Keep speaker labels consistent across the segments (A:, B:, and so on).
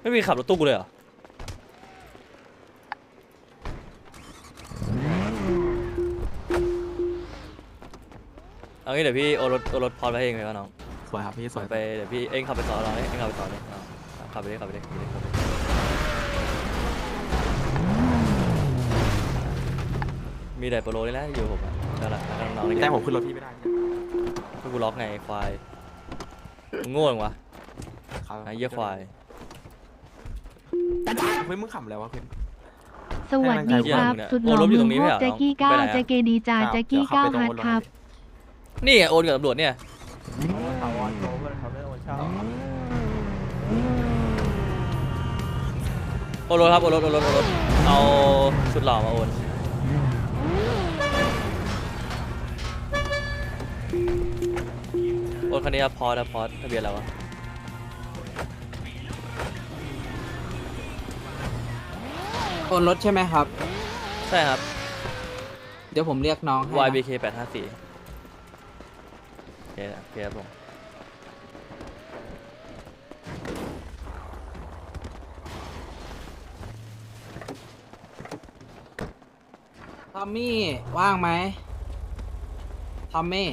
A: ไม่มีขับรถตู้กูเลยเหรอเอางี้เดี๋ยวพี่โอรถพอดไปเองเลยก็น้อง
B: สวยครับพี่สวย
A: ไปเดี๋ยวพี่เองขับไปต่อเราเองขับไปต่อเลยขับไปเลยมีแต่โปรโลนี่แหละอยู่ผมอ่ะนั่นแหละน้องๆนี่
B: แต่ผมขึ้นรถพี่ไม่ได้
A: ก็กูล็อกไงควายมึงโง่จังวะไอ้เหี้ยควาย
B: เฮ้ยมึงขำแล้ววะเพื่อน
C: สวัสดีครับสุดหล่อเมืองพวกแจ็กกี้ก้าวแจ็กเกดีจาแจ็กกี้ก้าวฮัทครับ
A: นี่โอนกับตำรวจเนี่ยโอนรถครับโอนรถเอาสุดหล่อมาโอนคันนี้ครับพอสทะเบียนอะไรวะ
D: โอนรถใช่ไหมครับ
A: ใช่ครับ
D: เดี๋ยวผมเรียกน้องให้นะ
A: YBK 854โอเคครับผม
D: ทอมมี่ว่างไหมทอมมี่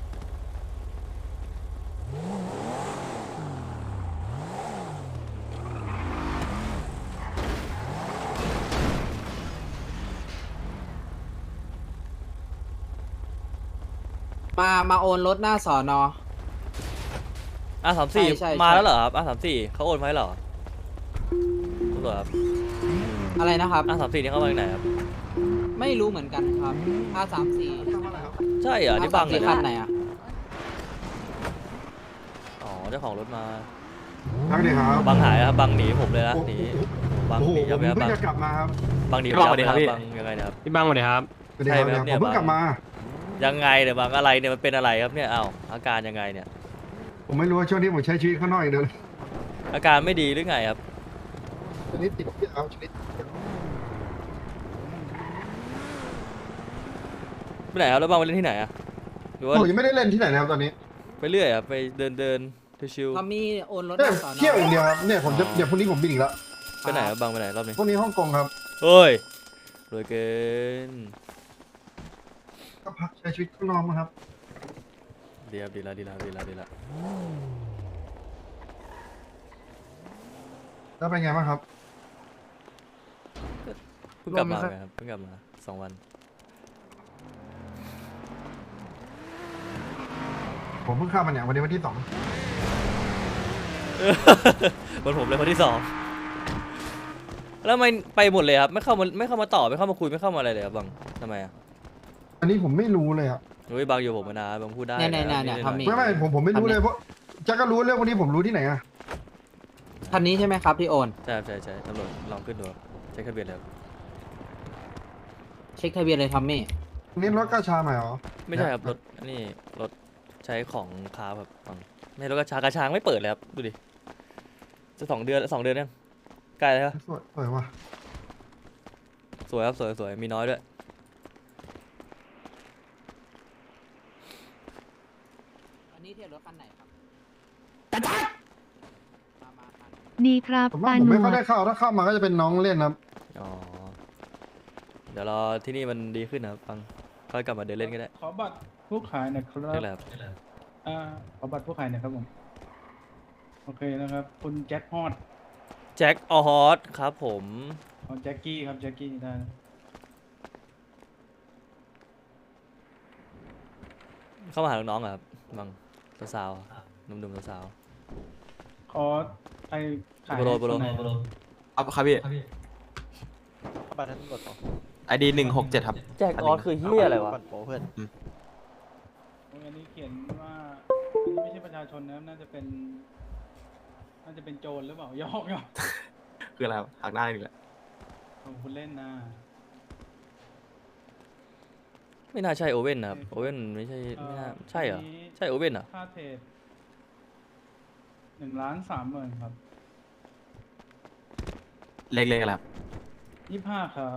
D: มาโอนรถหน้าสอนอ
A: R34
D: ใช่
A: มาแล้วเหรอครับ R34 เขาโอนไว้เหรอตำรวจครับ
D: อะไรนะครับ
A: R34 นี่เข้ามาจากไหนครับ
D: ไม่รู้เหมือนกันครับ R34
A: ใช่เหรอนี่บังเหรอ
D: คันไหนอ่ะ
A: อ๋อเจ้าของรถมา
E: ครับดีครับ
A: บังหายครับบังหนีผมเลยนะหนีบัง
E: โอ้โห
A: หนี
E: ผม
A: ยับ
E: เพิ่
A: บั
E: ง
A: ง
E: จะกลับมาครับ
A: บังหนี
B: พี่บังสวัสดีครับพี่
A: บังยังไงนะครับ
B: พี่บังสวัสดีครับ
E: สวัสดีครับ
A: ใช่ไหมครับเนี่ย
E: ผมเพิ่งกลับมา
A: ยังไงเนี่ยบังอะไรเนี่ยมันเป็นอะไรครับเนี่ยอ้าวอาการยังไงเนี่ย
E: ผมไม่รู้ว่าช่วงนี้ผมใช้ชีวิตข้างนอกอย่างเดียวเลย
A: อาการไม่ดีหรือไงครับ
E: ชนิดติดเอาชนิด
A: ไปไหนครับแล้วบังไปเล่นที่ไหนอะหรือว่า
E: ผมยังไม่ได้เล่นที่ไหนนะครับตอนนี้
A: ไปเรื่อยครับไปเดินชิว
D: ทอมมี่โอนรถห
E: เนี่ย
D: น้าสอนอ
E: เที่ยวอย่างเดียวครับเนี่ยผมจะเดี๋ยวพรุ่งนี้ผมบินอีกแล้ว
A: ๆไปไหนครับบังไปไหนรอบนี้
E: พรุ่งนี้ฮ่องกงครับ
A: เฮ้ยรวยเกิน
E: ก็พักใช้ชีวิตข้างนอกมั้งครับ
A: ดีครับดีละ
E: แล้วเป็นไงบ้างครับ
A: เพิ่งกลับมาไงครับเพิ่งกลับมา2 วัน
E: ผมเพิ่งเข้ามาเนี่ยวันนี้วันที่ 2
A: วันผมเลยคนที่2แล้วทำไมไปหมดเลยครับไม่เข้ามาต่อไม่เข้ามาคุยไม่เข้ามาอะไรเลยครับบังทำไมอ่ะ
E: อันนี้ผมไม่รู้เลยครับ
A: เฮ้ยบังอยู่ผมมานานบังพูดได้
D: เนี่ยทอมมี่
E: ไม่ผมไม่รู้เลยเพราะแจ็คก็รู้เรื่องวันนี้ผมรู้ที่ไหนอะ
D: คันนี้ใช่ไหมครับที่โอน
A: ใช่ตำรวจลองขึ้นดูใช้ทะเบียนเลยครับ
D: เช็คทะเบียนเลยทอมมี่
E: วันนี้รถกระชาใหม่เหรอ
A: ไม่ใช่ครับรถนี่รถใช้ของค้าแบบบังไม่รถกระช้างไม่เปิดเลยครับดูดิจะ2 เดือนยังใกล้แล้วครับ
E: สวยว่ะ
A: สวยครับสวยมีน้อยด้วย
D: อันนี้เทียบรถคันไหนครับมา
C: ดีครับ
E: ผมว่า
C: ตา
E: ผม
C: หน
E: ไม่
C: ว
E: ค่อย
C: ด
E: ได้เข้าถ้าเข้ามาก็จะเป็นน้องเล่นครับ
A: อ๋อเดี๋ยวรอที่นี่มันดีขึ้นนะครับบังค่อยกลับมาเดินเล่นก็ได้
F: ขอบัตรผู้ขายหน่อยครั
A: เรีย
F: บ
A: กอะไรครับ
F: ขอบัตรผู้ขายหน่อยครับผม โอเคนะครับ คุณแจ็คฮอด
A: แจ็คออฮอสครับผม
F: เอาแจ็คกี้ครับแจ็คกี้ได้นะ
A: เข้ามาหาน้องๆอะครับบังสาวๆหนุ่มๆสาว
F: ขอไอขาย
A: โปร
F: ให้คนไหน
B: เอาครับพี่
G: บัตรนั้นกดต่อ
B: ID 167ครับ
A: ๆแจ็คออสคือเฮียอะไรวะ
G: บัตรโปรเพื่อน
F: อันนี้เขียนว่าอันนี้ไม่ใช่ประชาชนนะครับน่าจะเป็นโจรหรือเปล่ายอก
B: คืออะไรครับหักหน้าอีกแล้ว
F: ของคุณเล่นนะ
A: ไม่น่าใช่โอเว่นนะครับโอเว่นไม่ใช่ไม่น่าใช่เหรอใช่โอเว่นเหรอ
F: ค่าเทรด1,30,000ครับ
B: เล็กๆอะไรครับ
F: 25ครับ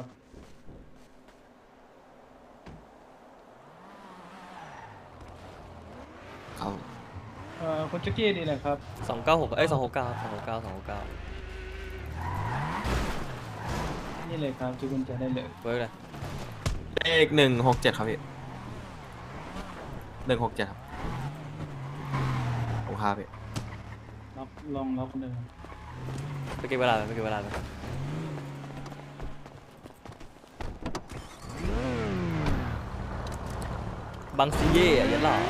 B: เขา
F: คุณแจ็คกี้ดีเลยครับ
A: 296เอ้ย269 269
F: นี่เลยครับที่คุณจะได้เลย
A: เวิร์กเลย
B: เลข167ครับพี่167ครับผมครับพี่
F: ลองล็อกเดิม
A: ไปเก็บเวลาไปเก็บเวลาไปบังซีเย่อะยันหล่อ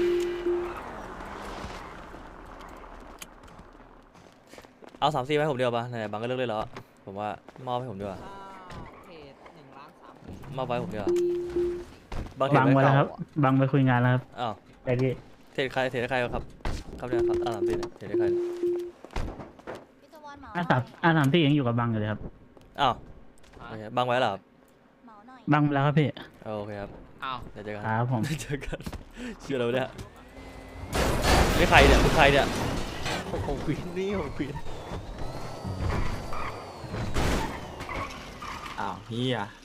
A: เอา3-4ให้ผมเดียวป่ะไหนๆบังก็เลิกเลยแล้วอะผมว่ามอบให้ผมดีกว่า
D: เพจ1,300,000
A: มอบไว้ผมดีกว่า
H: บังไว้แล้วครับ บังไปคุยงานแล้วครับ
A: อ้าว
H: แต่ที่
A: เทรดใครครับครับเนี่ยครับ3-4เนี่ยเทรดให้ใคร
I: พี่ตะวันเหมา
H: R34ยังอยู่กับบังอยู่เลยครับ
A: อ้าวโอเคบังไว้เหรอครับ
I: เหมาหน่อย
H: บังไปแล้วครับพี่
A: โอเคครับ
D: อ้าว
A: เดี๋ยวเจอกัน
H: ครับผม
A: เจอกันเชื่อเราเนี่ยนี่ใครเนี่ยคือใครเนี่ย
G: ผมควีนนี่ผมควีน
B: อ้าวเฮีย